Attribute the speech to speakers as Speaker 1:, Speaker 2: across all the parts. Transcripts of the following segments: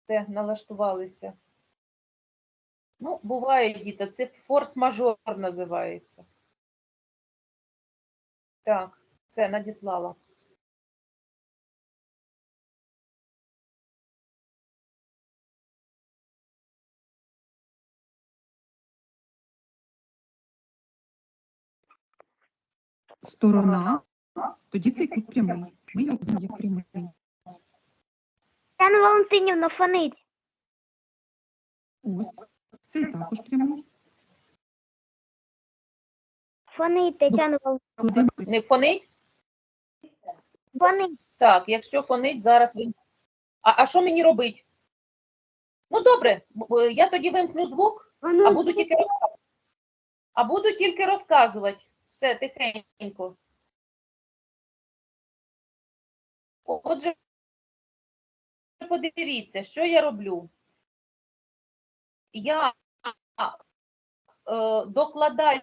Speaker 1: Все, налаштувалися. Ну, буває, діти, це форс-мажор називається. Так, це надіслала.
Speaker 2: Сторона, тоді цей кут прямий. Ми його познаємо як прямий.
Speaker 3: Тетяна Валентинівна, фонить.
Speaker 2: Ось, цей також прямий.
Speaker 3: Фонить, Тетяна Валентинівна.
Speaker 2: Кладемо
Speaker 1: Не фонить?
Speaker 3: Фонить.
Speaker 1: Так, якщо фонить, зараз ви... А що мені робити? Ну, добре, я тоді вимкну звук, а буду тільки розказувати. А буду тільки розказувати. Все, тихенько. Отже, подивіться, що я роблю. Я докладаю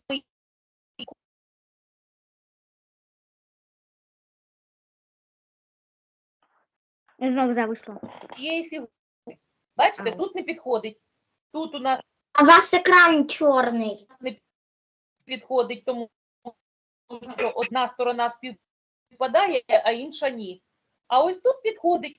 Speaker 3: Знову зависло.
Speaker 1: цієї фігури. Бачите, тут не підходить. Тут у нас
Speaker 3: А у вас екран чорний.
Speaker 1: не підходить, тому що одна сторона співпадає, а інша ні. А ось тут підходить.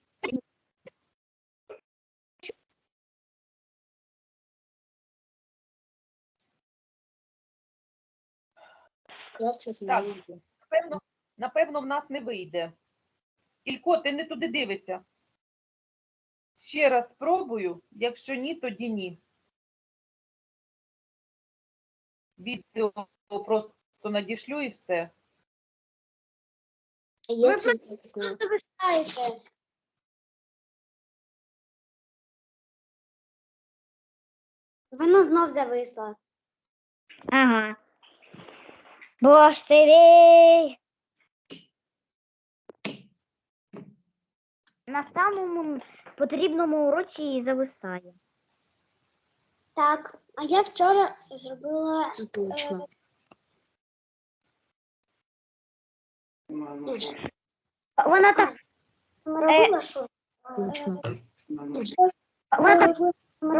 Speaker 1: Так, напевно, в нас не вийде. Ілько, ти не туди дивишся. Ще раз спробую, якщо ні, тоді ні. Відео просто надішлю і все.
Speaker 3: Ви просто вистаєте. Воно знов зависло. Ага. Боштерей. На самому потрібному уроці і зависає. Так, а я вчора зробила... Це точно. Вона так... Робила що? Точно. Вона так...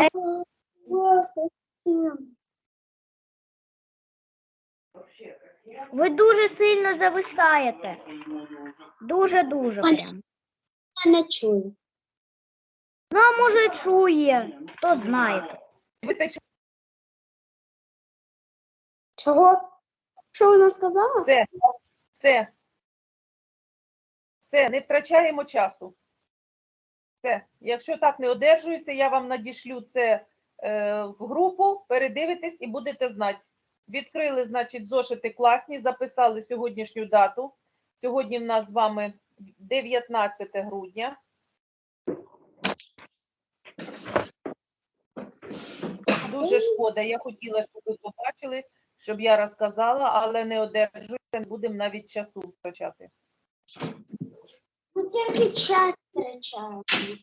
Speaker 3: Ви дуже сильно зависаєте. Дуже-дуже прям. Я не чую. Ну, а може чує, хто знає. Чого? Що вона сказала?
Speaker 1: Все, не втрачаємо часу. Все, якщо так не одержується, я вам надішлю це в групу, передивитесь і будете знати. Відкрили, значить, зошити класні, записали сьогоднішню дату. Сьогодні в нас з вами 19 грудня. Дуже шкода, я хотіла, щоб ви побачили, щоб я розказала, але не одержується, не будемо навіть часу втрачати.
Speaker 3: Ну, тільки час втрачаємо.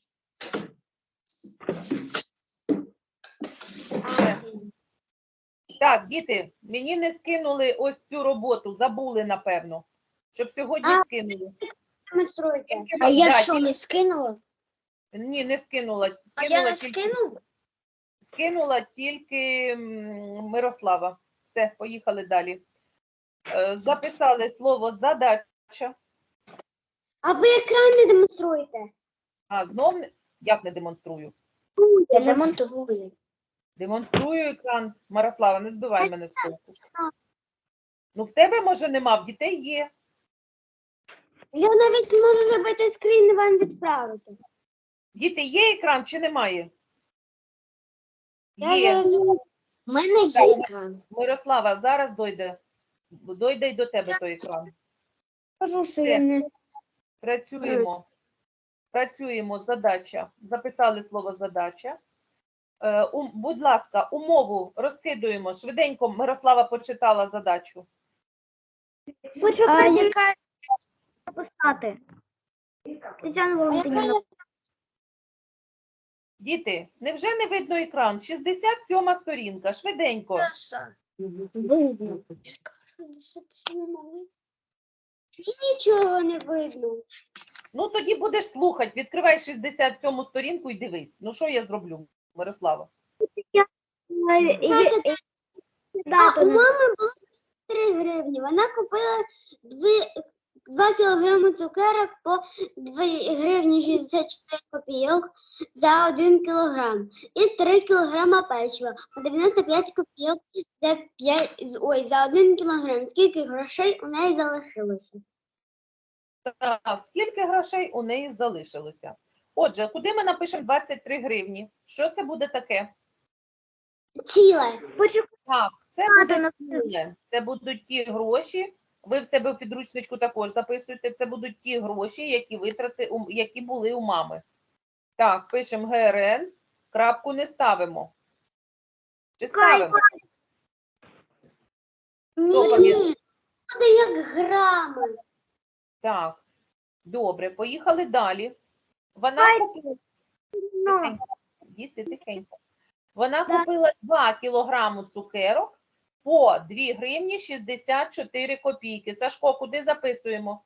Speaker 1: Так, діти, мені не скинули ось цю роботу, забули, напевно, щоб сьогодні скинули.
Speaker 3: Демонструйте.
Speaker 1: А я що,
Speaker 3: не скинула?
Speaker 1: Ні, не скинула.
Speaker 3: А я не скинула?
Speaker 1: Скинула тільки Мирослава. Все, поїхали далі. Записали слово задача.
Speaker 3: А ви екран не демонструєте?
Speaker 1: А, знов як не демонструю?
Speaker 3: Демонструю.
Speaker 1: Демонструю екран. Мирослава, не збивай мене з толку. Ну, в тебе, може, нема, в дітей є.
Speaker 3: Я навіть можу зробити скрін і вам відправити.
Speaker 1: Діти, є екран чи немає?
Speaker 3: Я
Speaker 1: Є.
Speaker 3: зараз... У мене є екран.
Speaker 1: Мирослава, зараз дойде й до тебе той екран.
Speaker 3: Кажу, що я не...
Speaker 1: Працюємо. Працюємо, задача. Записали слово задача. Будь ласка, умову розкидуємо. Швиденько Мирослава почитала задачу.
Speaker 3: Хочу яка написати. Тетяна Валентинівна.
Speaker 1: Діти, невже не видно екран? 67 сторінка. Швиденько.
Speaker 3: Нічого не видно.
Speaker 1: Ну, тоді будеш слухати. Відкривай 67 сторінку і дивись. Ну, що я зроблю, Мирослава?
Speaker 3: Дату
Speaker 4: У
Speaker 3: не-
Speaker 4: мами було 3 гривні. Вона купила 2 кілограми цукерок по 2 гривні 64 копійок за 1 кілограм. І 3 кілограма печива по 95 копійок за 1 кілограм. Скільки грошей у неї залишилося?
Speaker 1: Так, скільки грошей у неї залишилося? Отже, куди ми напишемо 23 гривні? Що це буде таке?
Speaker 4: Ціле.
Speaker 1: Так, це
Speaker 3: Дату
Speaker 1: буде ціле. Це будуть ті гроші. Ви в себе в підручничку також записуєте. Це будуть ті гроші, які були у мами. Так, пишемо ГРН, крапку не ставимо. Чи ставимо? Хто пам'ятає?
Speaker 4: Ні, буде як грами.
Speaker 1: Так, добре, поїхали далі. Вона купила. Тихенько, діти, тихенько. Вона купила 2 кілограми цукерок по 2 гривні 64 копійки. Сашко, куди записуємо?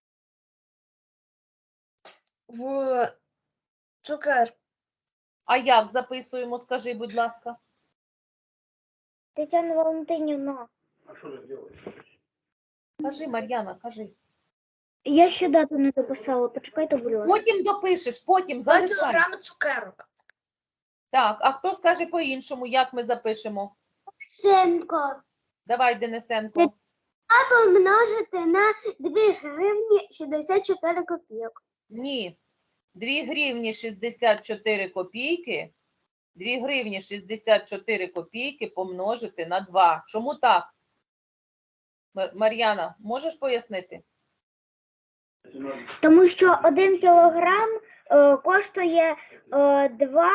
Speaker 4: В цукер.
Speaker 1: А як записуємо, скажи, будь ласка.
Speaker 3: Тетяна Валентинівна,
Speaker 1: Кажи, Мар'яна, кажи.
Speaker 3: я ще дату не дописала. Почекайте, будь ласка.
Speaker 1: Потім допишеш, потім
Speaker 4: 2
Speaker 1: залишай.
Speaker 4: кілограми цукерок.
Speaker 1: Так, а хто скаже по-іншому, як ми запишемо?
Speaker 4: Сенко.
Speaker 1: Давай, Денисенко.
Speaker 4: Помножити на 2 гривні 64 копійок.
Speaker 1: Ні. 2 гривні 64 копійки. 2 гривні 64 копійки помножити на 2. Чому так? Мар'яна, можеш пояснити?
Speaker 3: Тому що 1 кілограм коштує 2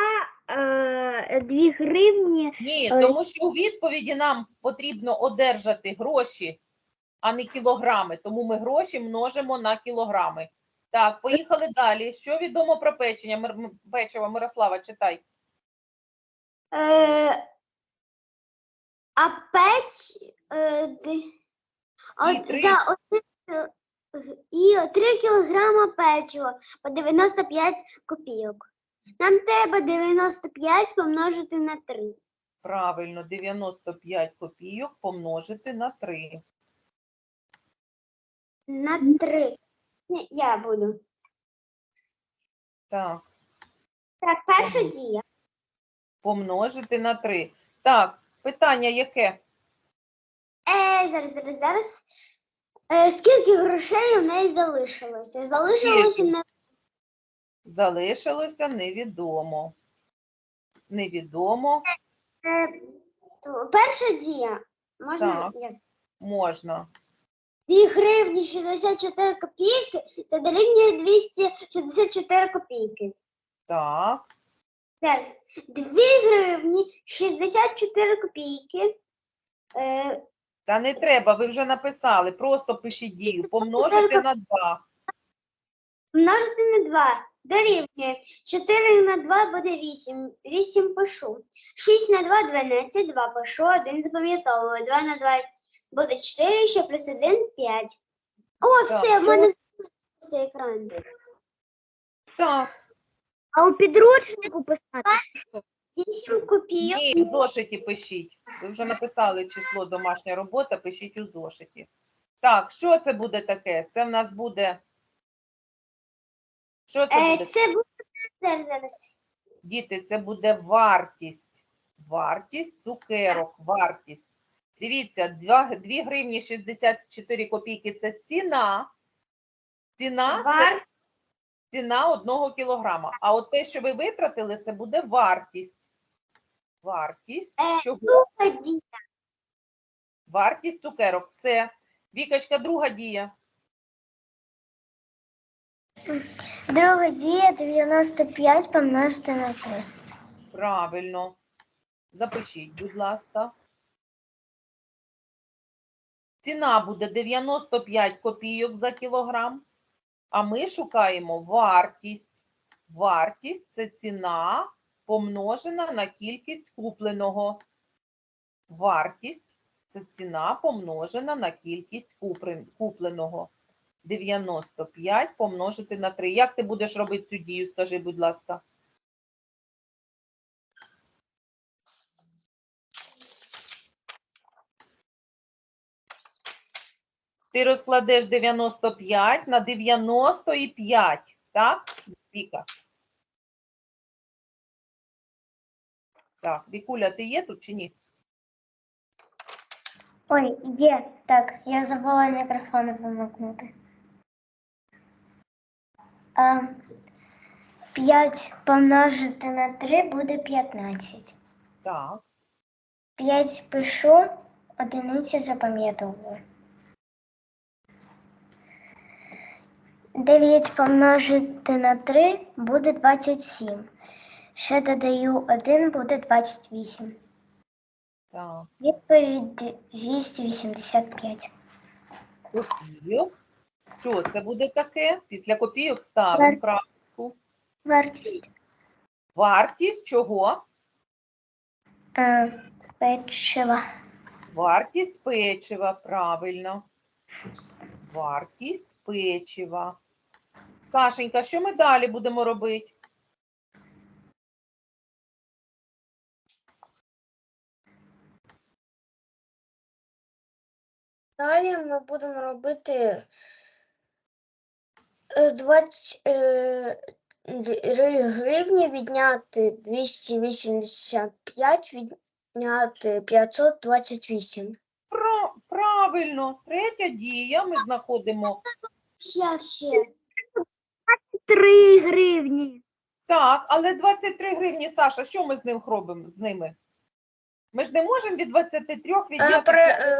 Speaker 3: гривні.
Speaker 1: Ні, тому що у відповіді нам потрібно одержати гроші, а не кілограми. Тому ми гроші множимо на кілограми. Так, поїхали далі. Що відомо про печення? Печиво, Мирослава, читай.
Speaker 4: А
Speaker 1: три.
Speaker 4: за 3 кілограма печива по 95 копійок. Нам треба 95 помножити на 3.
Speaker 1: Правильно, 95 копійок помножити на 3.
Speaker 4: На 3. Ні, я буду.
Speaker 1: Так,
Speaker 4: Так, перша дія.
Speaker 1: помножити на 3. Так, питання яке?
Speaker 4: Зараз. Скільки грошей у неї залишилося? Залишилося
Speaker 1: Скільки?
Speaker 4: на
Speaker 1: Залишилося невідомо. Невідомо.
Speaker 4: перша дія. Можна
Speaker 1: Так.
Speaker 4: я скажу?
Speaker 1: Можна.
Speaker 4: 2 гривні 64 копійки, це дорівнює 264 копійки.
Speaker 1: Так.
Speaker 4: Зараз. 2 гривні 64 копійки.
Speaker 1: Та не треба, ви вже написали. Просто пишіть дію. Помножити на 2.
Speaker 4: Множити на 2 дорівнює 4 на 2 буде 8. 8 пишу. 6 на 2 12, 2 пишу, 1 запам'ятовую. 2 на 2 буде 4, ще плюс 1 5. О,
Speaker 1: Так.
Speaker 4: все, в мене з'явився екран.
Speaker 1: Так.
Speaker 3: А у підручнику писати?
Speaker 4: 8 копійок.
Speaker 1: Ні, в зошиті пишіть. Ви вже написали число домашня робота, пишіть у зошиті. Так, що це буде таке? Це в нас буде... Що це буде?
Speaker 4: Це буде зараз.
Speaker 1: Діти, це буде вартість. Вартість цукерок, вартість. Дивіться, 2 гривні 64 копійки – це ціна. Ціна – це ціна 1 кілограма. А от те, що ви витратили, це буде вартість. Вартість чого?
Speaker 4: Друга дія.
Speaker 1: Вартість цукерок. Все. Вікачка, друга дія.
Speaker 3: Друга дія 95 помножити на 3.
Speaker 1: Правильно. Запишіть, будь ласка. Ціна буде 95 копійок за кілограм, а ми шукаємо вартість. Вартість – це ціна помножена на кількість купленого. Вартість – це ціна помножена на кількість купленого. 95 помножити на 3. Як ти будеш робити цю дію, скажи, будь ласка. Ти розкладеш 95 на 95, так, Віка? Так, Вікуля, ти є тут чи ні?
Speaker 3: Ой, є. Так, я забула мікрофон вимкнути. 5 помножити на 3 буде 15.
Speaker 1: Так.
Speaker 3: 5 пишу, одиниці запам'ятовую. 9 помножити на 3 буде 27. Ще додаю 1, буде 28.
Speaker 1: Так.
Speaker 3: Відповідь 285.
Speaker 1: Копійок. Що це буде таке? Після копійок ставимо крапку.
Speaker 3: Вартість
Speaker 1: Вартість чого?
Speaker 3: печива.
Speaker 1: Вартість печива, правильно. Вартість печива. Сашенька, що ми далі будемо робити?
Speaker 4: Далі ми будемо робити 23 гривні відняти 285, відняти 528.
Speaker 1: Правильно. Третя дія. Ми знаходимо.
Speaker 4: Як ще?
Speaker 3: 3 гривні.
Speaker 1: Так, але 23 гривні, Саша, що ми з ним робимо з ними? Ми ж не можемо від 23 відняти.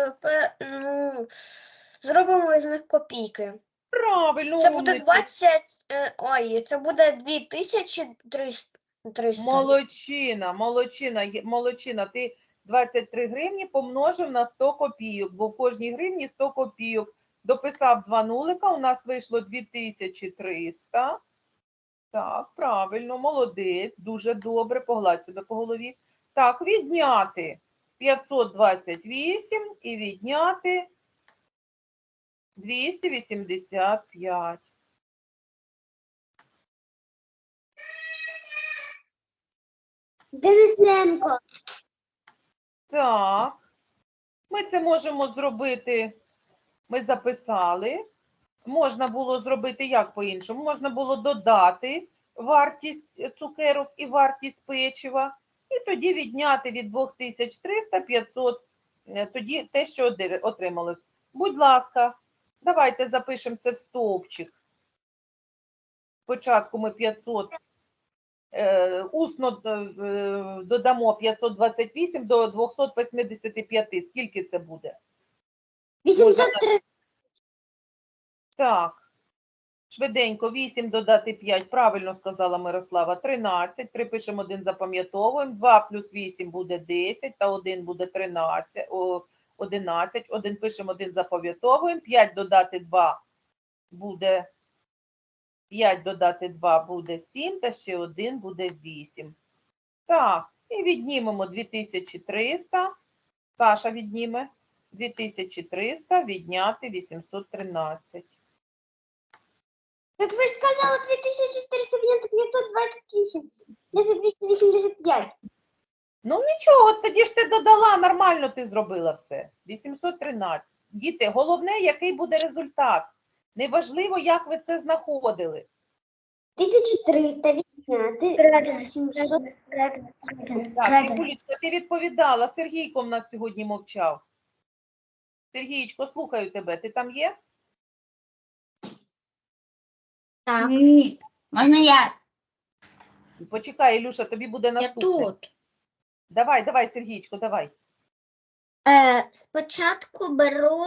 Speaker 4: Зробимо із них копійки.
Speaker 1: Правильно,
Speaker 4: Це буде
Speaker 1: умниця.
Speaker 4: 20, це буде 2300.
Speaker 1: Молодчина. Ти 23 гривні помножив на 100 копійок, бо в кожній гривні 100 копійок. Дописав 2 нулика, у нас вийшло 2300. Так, правильно, молодець, дуже добре, погладь себе по голові. Так, відняти 528 і відняти 285.
Speaker 4: Денисенко.
Speaker 1: Так, ми це можемо зробити, ми записали. Можна було зробити як по-іншому? Можна було додати вартість цукерок і вартість печива, і тоді відняти від 2300 500, тоді те, що отрималось. Будь ласка, давайте запишемо це в стовпчик. Спочатку ми 500, усно додамо 528 до 285. Скільки це буде?
Speaker 4: 803.
Speaker 1: Так, швиденько, 8 додати 5, правильно сказала Мирослава, 13, 3 пишемо, 1 запам'ятовуємо, 2 плюс 8 буде 10, та 1 буде 13, 11, 1 пишемо, 1 запам'ятовуємо, 5 додати 2 буде 5 додати 2 буде 7, та ще 1 буде 8. Так, і віднімемо 2300, Саша відніме, 2300 відняти 813.
Speaker 4: Так ви ж сказали 2400 відняти 528. Це 285.
Speaker 1: Ну нічого, тоді ж ти додала, нормально ти зробила все. 813. Діти, головне, який буде результат. Неважливо, як ви це знаходили.
Speaker 4: 1300 відняти
Speaker 3: Правильно.
Speaker 4: 800.
Speaker 1: Так, Вікулічка, ти відповідала. Сергійко в нас сьогодні мовчав. Сергійчко, слухаю тебе. Ти там є?
Speaker 4: Так.
Speaker 5: Ні. Можна я?
Speaker 1: Почекай, Ілюша, тобі буде наступне. Давай, Сергійчко, давай.
Speaker 4: Спочатку беру,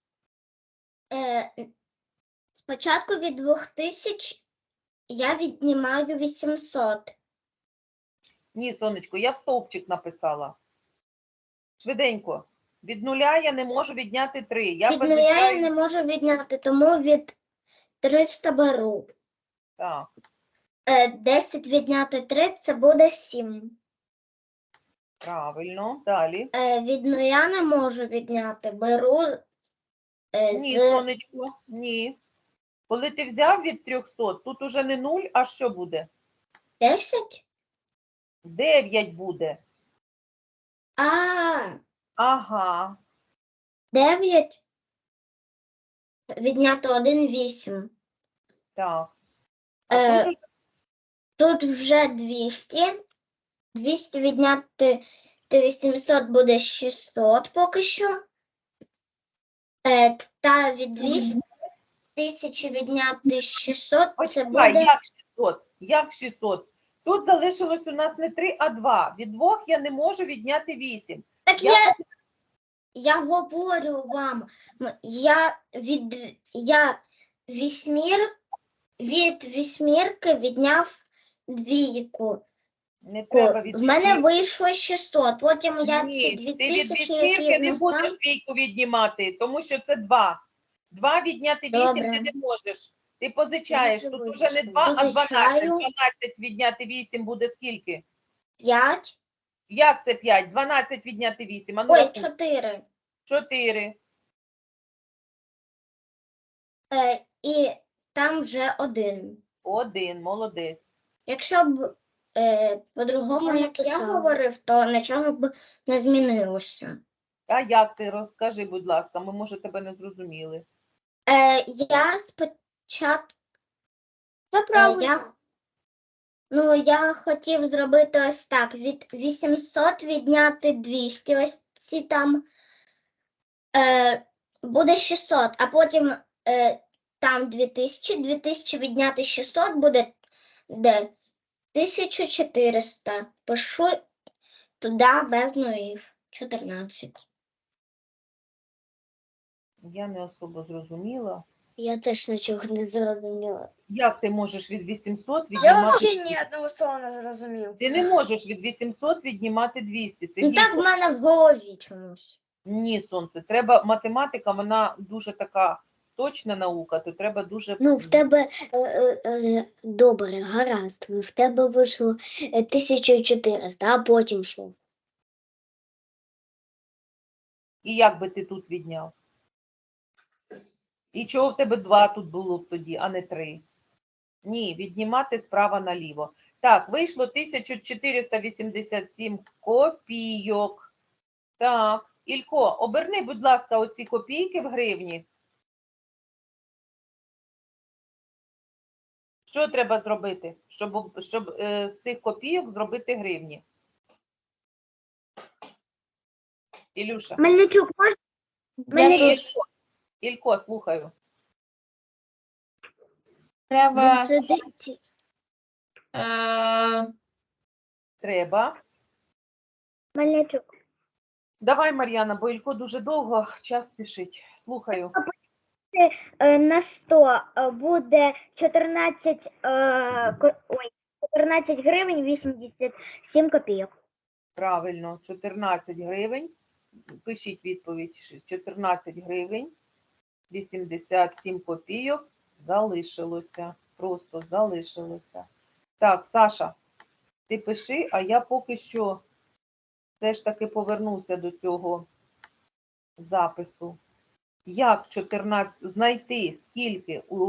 Speaker 4: спочатку від 2000 я віднімаю 800.
Speaker 1: Ні, сонечко, я в стовпчик написала. Швиденько. Від нуля я не можу відняти 3. Я
Speaker 4: Від нуля я не можу відняти, тому від 300 беру.
Speaker 1: Так,
Speaker 4: 10 відняти 3 це буде 7.
Speaker 1: правильно. Далі.
Speaker 4: Від нуля не можу відняти, беру
Speaker 1: Ні,
Speaker 4: з
Speaker 1: сонечко, ні. Коли ти взяв від 300, тут уже не 0, а що буде?
Speaker 4: 10?
Speaker 1: 9 буде.
Speaker 4: А,
Speaker 1: Ага.
Speaker 4: 9 віднято 1, 8.
Speaker 1: Так. А
Speaker 4: Е,
Speaker 1: тут уже
Speaker 4: Тут вже 200. 200 відняти 800 буде 600 поки що. Та від 200 1000 відняти 600 це
Speaker 1: почекай,
Speaker 4: буде...
Speaker 1: як 600? Як 600? Тут залишилось у нас не 3, а 2. Від 2 я не можу відняти 8.
Speaker 4: Так
Speaker 1: Я
Speaker 4: я говорю вам, від вісьмірки відняв двійку.
Speaker 1: не треба від
Speaker 4: В мене
Speaker 1: 8.
Speaker 4: вийшло 600, потім я
Speaker 1: Ні,
Speaker 4: ці
Speaker 1: ти від
Speaker 4: 2000,
Speaker 1: вісьмірки
Speaker 4: які
Speaker 1: не
Speaker 4: в нас
Speaker 1: будеш
Speaker 4: там...
Speaker 1: двійку віднімати, тому що це 2. 2 відняти 8
Speaker 4: Добре.
Speaker 1: ти не можеш. Ти позичаєш.
Speaker 4: Я
Speaker 1: Тут
Speaker 4: вже
Speaker 1: уже не
Speaker 4: визначила.
Speaker 1: 2, а 12.
Speaker 4: Позичаю.
Speaker 1: 12 відняти 8 буде скільки?
Speaker 4: 5,
Speaker 1: Як це 5? 12 відняти 8. А ну
Speaker 4: ой,
Speaker 1: рахуй.
Speaker 4: 4.
Speaker 1: 4.
Speaker 4: І там вже 1.
Speaker 1: 1. Молодець.
Speaker 4: Якщо б по-другому, як я говорив, то нічого б не змінилося.
Speaker 1: А як ти? Розкажи, будь ласка, ми, може, тебе не зрозуміли.
Speaker 4: Я спочатку
Speaker 3: Це
Speaker 4: я хотів зробити ось так. Від 800 відняти 200, ось ці там буде 600, а потім там 2000, 2000 відняти 600 буде 1400. Пишу туди без нулів. 14.
Speaker 1: Я не особо зрозуміла.
Speaker 3: Я теж нічого не зрозуміла.
Speaker 1: Як ти можеш від 800
Speaker 5: Я
Speaker 1: віднімати?
Speaker 5: взагалі ні одного слова не зрозумів.
Speaker 1: Ти не можеш від 800 віднімати 200.
Speaker 4: Ну
Speaker 1: Сергій,
Speaker 4: так в мене в голові чомусь.
Speaker 1: ні, сонце. Треба математика, вона дуже така точна наука, то треба дуже.
Speaker 3: Ну, в тебе добре, гаразд. В тебе вийшло 1400, а потім що?
Speaker 1: І як би ти тут відняв? І чого в тебе 2 тут було б тоді, а не 3? Ні, віднімати справа наліво. Так, вийшло 1487 копійок. Так, Ілько, оберни, будь ласка, оці копійки в гривні. Що треба зробити, щоб з цих копійок зробити гривні? Ілюша.
Speaker 3: Мельничук,
Speaker 1: Ні, Ілько, слухаю.
Speaker 5: Треба
Speaker 3: сидить.
Speaker 1: Треба.
Speaker 3: Мельничук.
Speaker 1: Давай, Мар'яна, бо Ілько дуже довго, час спішить. Слухаю.
Speaker 3: На 100 буде 14 гривень 87 копійок.
Speaker 1: Правильно, 14 гривень. Пишіть відповідь. 14 гривень, 87 копійок залишилося. Просто залишилося. Так, Саша, ти пиши, а я поки що все ж таки повернуся до цього запису. Як 14 знайти, скільки у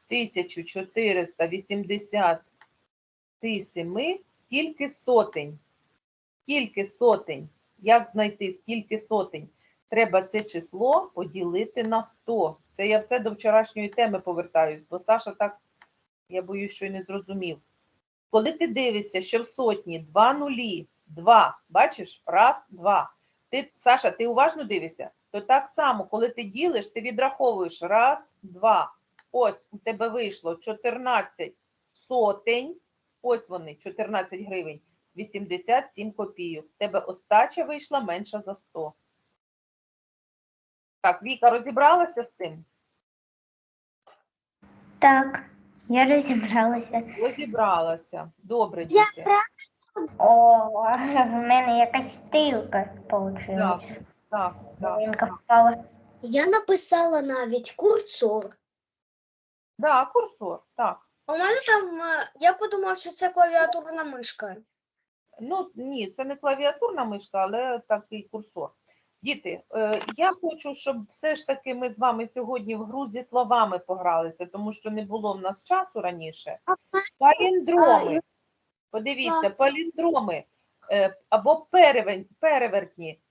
Speaker 1: 1487, скільки сотень? Скільки сотень? Як знайти, скільки сотень? Треба це число поділити на 100. Це я все до вчорашньої теми повертаюсь, бо Саша так, я боюсь, що й не зрозумів. Коли ти дивишся, що в сотні 2 нулі, 2, бачиш? Раз, два. Саша, ти уважно дивишся? То так само, коли ти ділиш, ти відраховуєш раз, два. Ось у тебе вийшло 14 сотень, ось вони, 14 гривень, 87 копійок. У тебе остача вийшла менша за 100. Так, Віка, розібралася з цим?
Speaker 3: Так, я розібралася.
Speaker 1: Розібралася. Добре, діти.
Speaker 3: О, в мене якась стрілка вийшла.
Speaker 1: Так.
Speaker 3: Малинка впала.
Speaker 4: Я написала навіть курсор.
Speaker 1: Да, курсор, так.
Speaker 5: у мене там, я подумав, що це клавіатурна мишка.
Speaker 1: Ну, ні, це не клавіатурна мишка, але такий курсор. Діти, я хочу, щоб все ж таки ми з вами сьогодні в гру зі словами погралися, тому що не було в нас часу раніше. Паліндроми. Подивіться, паліндроми або перевертні,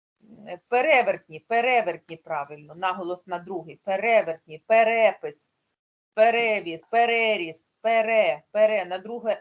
Speaker 1: правильно, наголос на другий, перевертні, перепис, перевіз, переріз, пере, на друге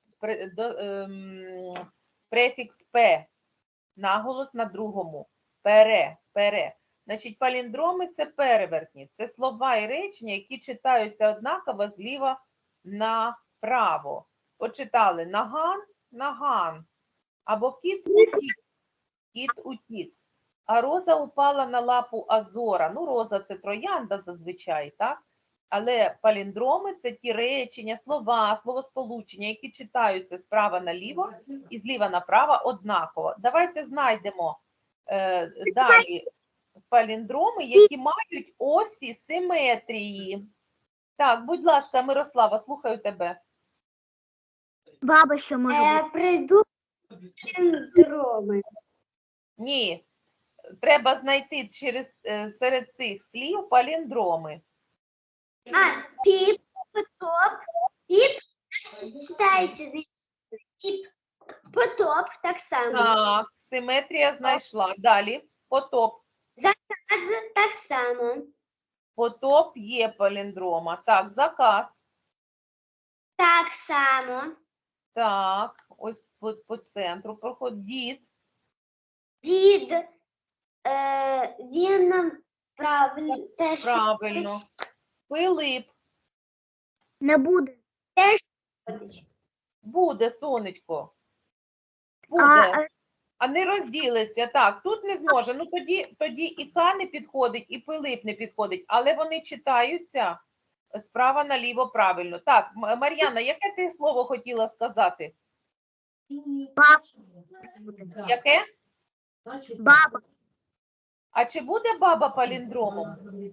Speaker 1: префікс п, наголос на другому, пере. Значить, паліндроми – це перевертні, це слова і речення, які читаються однаково зліва направо. Почитали наган, або кіт утік. А роза упала на лапу Азора. Ну, роза – це троянда зазвичай, так? Але паліндроми – це ті речення, слова, словосполучення, які читаються справа наліво і зліва направо однаково. Давайте знайдемо далі паліндроми, які мають осі симетрії. Так, будь ласка, Мирослава, слухаю тебе.
Speaker 3: Баба що може бути?
Speaker 4: Прийду паліндроми.
Speaker 1: Ні, треба знайти серед цих слів паліндроми.
Speaker 4: Піп, потоп, піп читається з піп, потоп так само.
Speaker 1: Так, симетрія знайшла. Далі. Потоп.
Speaker 4: Адже так само.
Speaker 1: Потоп є паліндрома. Так, заказ.
Speaker 4: Так само.
Speaker 1: Так, ось по центру проходить. Дід.
Speaker 4: Дід, він правильно теж
Speaker 1: Правильно. Пилип.
Speaker 3: Не буде.
Speaker 4: теж
Speaker 1: Буде, сонечко.
Speaker 3: А,
Speaker 1: Буде. А не розділиться. Так, тут не зможе. Ну тоді і К не підходить, і Пилип не підходить. Але вони читаються справа наліво правильно. Так, Мар'яна, яке ти слово хотіла сказати? Яке?
Speaker 3: баба.
Speaker 1: А чи буде баба паліндромом?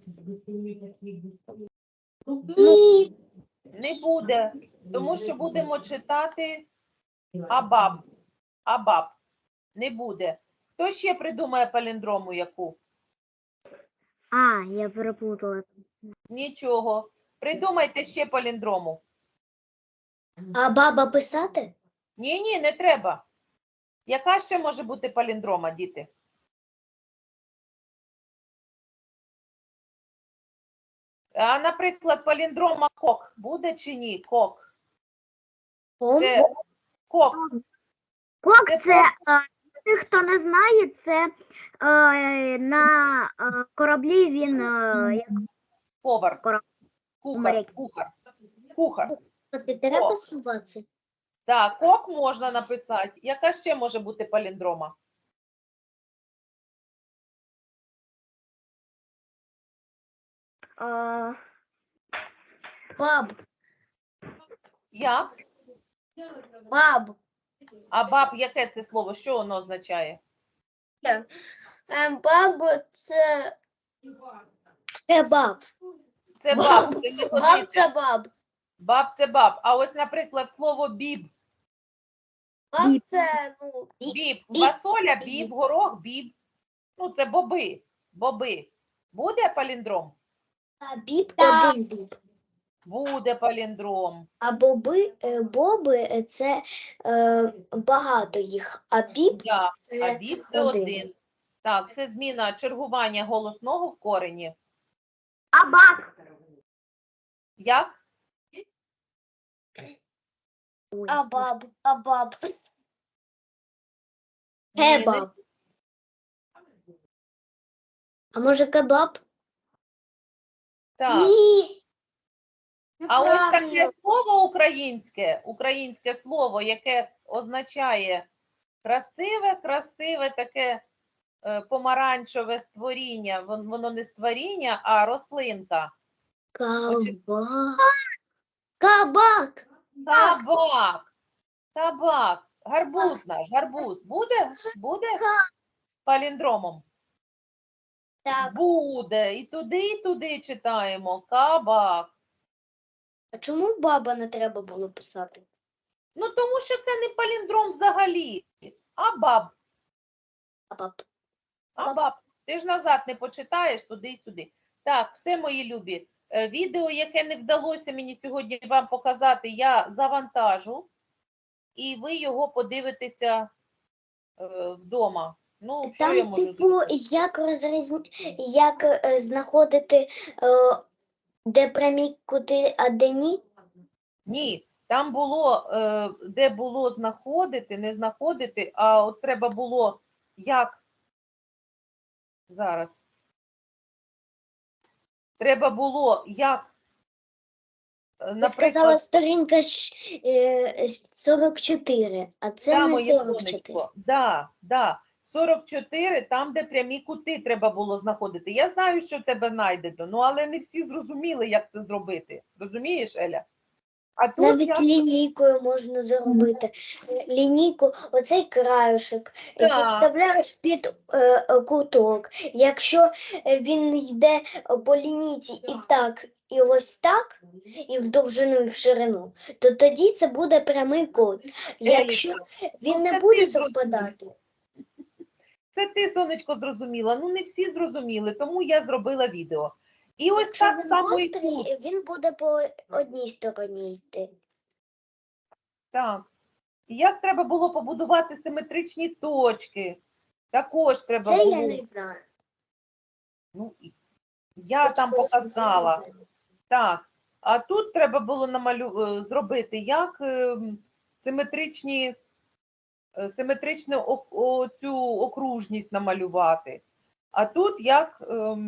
Speaker 4: ні.
Speaker 1: Не буде, тому що будемо читати абаб. Абаб. Не буде. Хто ще придумає паліндрому яку?
Speaker 3: А, я переплутала.
Speaker 1: Нічого. Придумайте ще паліндрому.
Speaker 5: А баба писати?
Speaker 1: Ні, не треба. Яка ще може бути паліндрома, діти? А, наприклад, паліндрома кок буде чи ні? Кок. Це кок.
Speaker 3: Кок
Speaker 1: Це
Speaker 3: це, тих, хто не знає, це на кораблі він як
Speaker 1: Повар. Кухар.
Speaker 3: Моряк.
Speaker 1: Кухар.
Speaker 5: Ти треба
Speaker 1: Кок.
Speaker 5: слухати?
Speaker 1: Так, кок можна написати. Яка ще може бути паліндрома?
Speaker 5: Баб.
Speaker 1: Як?
Speaker 5: Баб.
Speaker 1: А баб, яке це слово? Що воно означає?
Speaker 5: Баб це баб.
Speaker 1: Це баб, це не
Speaker 5: Баб
Speaker 1: годиться.
Speaker 5: це баб.
Speaker 1: Баб це баб. А ось, наприклад, слово біб.
Speaker 5: Баб це, ну,
Speaker 1: Біб. Фасоля, біб, горох, біб. Ну, це боби. Боби. Буде паліндром?
Speaker 5: біб
Speaker 4: Так.
Speaker 5: один біб.
Speaker 1: Буде паліндром.
Speaker 5: А боби це багато їх, а біб
Speaker 1: Да. А
Speaker 5: це
Speaker 1: біб це один. Так, це зміна чергування голосного в корені.
Speaker 3: абак.
Speaker 1: Як?
Speaker 3: Ой.
Speaker 5: а баб.
Speaker 1: Ні,
Speaker 5: Кебаб. А може кебаб?
Speaker 1: Так.
Speaker 4: Ні.
Speaker 1: А ось таке
Speaker 4: Неправильно.
Speaker 1: слово українське слово, яке означає красиве таке помаранчеве створіння. Воно не створіння, а рослинка.
Speaker 5: Кабак.
Speaker 1: Табак. Гарбуз наш, гарбуз. Буде паліндромом?
Speaker 4: Так.
Speaker 1: Буде. І туди читаємо. Кабак.
Speaker 5: А чому баба не треба було писати?
Speaker 1: Ну, тому що це не паліндром взагалі, а баб.
Speaker 5: Баб.
Speaker 1: А, баб, ти ж назад не почитаєш туди і сюди. Так, все, мої любі. Відео, яке не вдалося мені сьогодні вам показати, я завантажу, і ви його подивитеся вдома. Ну, що я
Speaker 4: Там,
Speaker 1: можу
Speaker 4: типу,
Speaker 1: зробити?
Speaker 4: як знаходити, де прямі кути, а де ні?
Speaker 1: Ні, там було, де було знаходити, не знаходити, а от треба було як зараз. Треба було як,
Speaker 4: Ти сказала сторінка 44, а це
Speaker 1: да,
Speaker 4: не
Speaker 1: моє
Speaker 4: 44.
Speaker 1: сонечко, да. 44, там, де прямі кути треба було знаходити. Я знаю, що в тебе знайдено, ну, але не всі зрозуміли, як це зробити. Розумієш, Еля? А тут
Speaker 4: Навіть
Speaker 1: я...
Speaker 4: лінійкою можна зробити. Лінійку, оцей краюшок,
Speaker 1: Так.
Speaker 4: підставляєш під куток. Якщо він йде по лінійці і ось так, і в довжину, і в ширину, то тоді це буде прямий кут. Якщо він не
Speaker 1: це
Speaker 4: буде
Speaker 1: ти зрозумів.
Speaker 4: совпадати,
Speaker 1: Це ти, сонечко, зрозуміла. Ну, не всі зрозуміли, тому я зробила відео. І ось
Speaker 4: якщо
Speaker 1: так
Speaker 4: він
Speaker 1: само і
Speaker 4: гострий,
Speaker 1: тут.
Speaker 4: він буде по одній стороні йти.
Speaker 1: Так. І як треба було побудувати симетричні точки? Також треба
Speaker 4: Це
Speaker 1: було.
Speaker 4: я не знаю.
Speaker 1: Ну, я там показала. Так. А тут треба було зробити як симетричну цю окружність намалювати. А тут як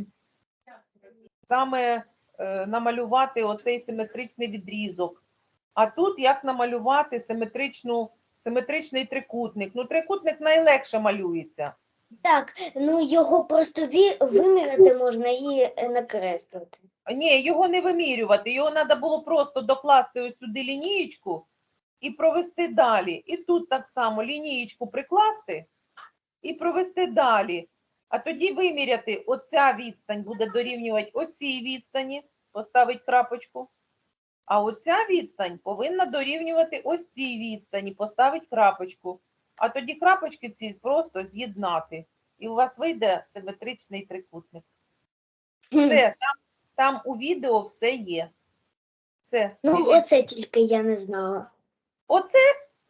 Speaker 1: саме намалювати оцей симетричний відрізок. А тут як намалювати симетричний трикутник. Ну, трикутник найлегше малюється.
Speaker 4: Так, ну його просто виміряти можна і накреслити.
Speaker 1: Ні, його не вимірювати, його треба було просто докласти ось сюди лінієчку і провести далі. І тут так само лінієчку прикласти і провести далі. А тоді виміряти, оця відстань буде дорівнювати оцій відстані, поставити крапочку. А оця відстань повинна дорівнювати ось цій відстані, поставити крапочку. А тоді крапочки ці просто з'єднати. І у вас вийде симетричний трикутник. Все, там у відео все є. Все.
Speaker 4: Ну,
Speaker 1: біжіть.
Speaker 4: оце тільки я не знала.
Speaker 1: Оце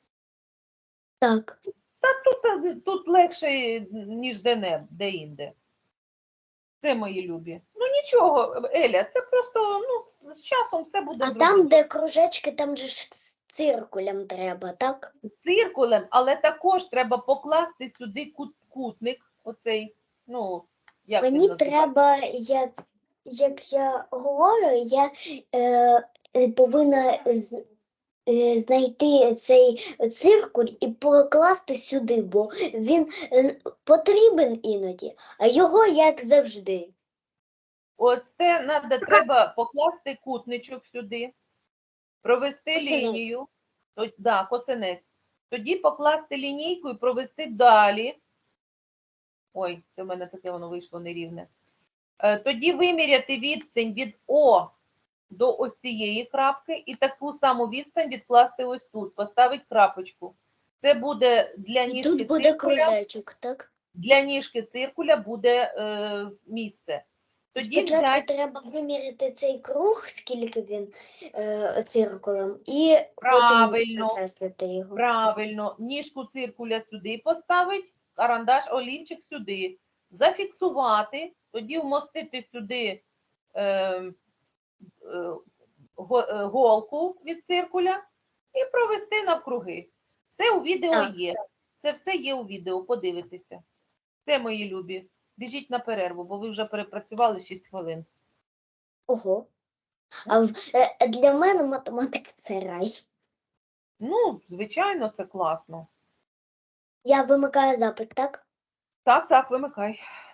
Speaker 4: Так.
Speaker 1: тут легше, ніж де-інде. Це мої любі. Ну нічого, Еля, це просто з часом все буде
Speaker 4: А
Speaker 1: зрозуміло.
Speaker 4: там, де кружечки, там же ж циркулем треба, так?
Speaker 1: Циркулем, але також треба покласти сюди кутник, оцей, ну, як він
Speaker 4: Мені
Speaker 1: називається?
Speaker 4: треба, як я говорю, я повинна знайти цей циркуль і покласти сюди, бо він потрібен іноді, а його як завжди.
Speaker 1: Оце треба покласти кутничок сюди, провести
Speaker 4: Косинець.
Speaker 1: лінію, косинець. Тоді покласти лінійку і провести далі. Ой, це в мене таке воно вийшло нерівне. Тоді виміряти відстань від О до ось цієї крапки і таку саму відстань відкласти ось тут, поставити крапочку. Це буде для
Speaker 4: І
Speaker 1: ніжки
Speaker 4: тут буде
Speaker 1: циркуля.
Speaker 4: кружечок, так?
Speaker 1: Для ніжки циркуля буде місце. Тоді
Speaker 4: Спочатку
Speaker 1: взяти
Speaker 4: треба виміряти цей круг, скільки він циркулем, і
Speaker 1: правильно,
Speaker 4: потім накреслити його.
Speaker 1: правильно, ніжку циркуля сюди поставити, карандаш, олівчик сюди, зафіксувати, тоді вмостити сюди голку від циркуля і провести навкруги. Все у відео
Speaker 4: Так.
Speaker 1: є. Це все є у відео, подивитися. Це, мої любі. Біжіть на перерву, бо ви вже перепрацювали 6 хвилин.
Speaker 4: Ого. Для мене математика – це рай.
Speaker 1: Ну, звичайно, це класно.
Speaker 4: Я вимикаю запис, так?
Speaker 1: Так, вимикай.